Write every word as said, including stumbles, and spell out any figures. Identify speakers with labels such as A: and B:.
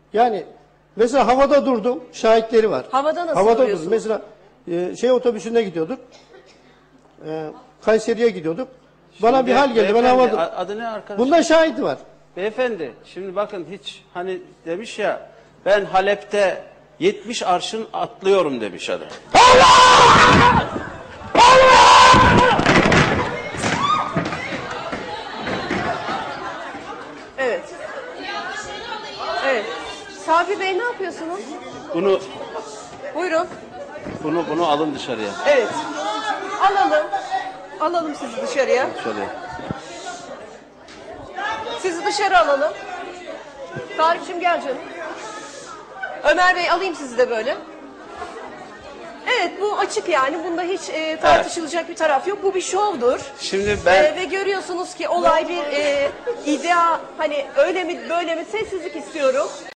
A: Yani mesela havada durdum, şahitleri var.
B: Havada nasıl
A: Havada
B: duruyorsun?
A: durdum. Mesela e, şey otobüsünde gidiyorduk. E, Kayseri'ye gidiyorduk. Bana
C: Şimdi
A: bir hal geldi. Ben
C: beyefendi,
A: havada...
C: a- adı ne arkadaş?
A: Bunda şahit var.
C: Beyefendi şimdi bakın hiç hani demiş ya ben Halep'te yetmiş arşın atlıyorum demiş adam.
B: Evet. Evet. Sabri Bey ne yapıyorsunuz?
C: Bunu
B: Buyurun.
C: bunu bunu alın dışarıya.
B: Evet. Alalım. Alalım sizi dışarıya.
C: Dışarıya.
B: Sizi dışarı alalım. Tarık'cığım gel canım. Ömer Bey alayım sizi de böyle. Evet bu açık yani. Bunda hiç e, tartışılacak bir taraf yok. Bu bir şovdur.
C: Şimdi ben
B: E, ve görüyorsunuz ki olay bir e, idea hani öyle mi böyle mi sessizlik istiyorum.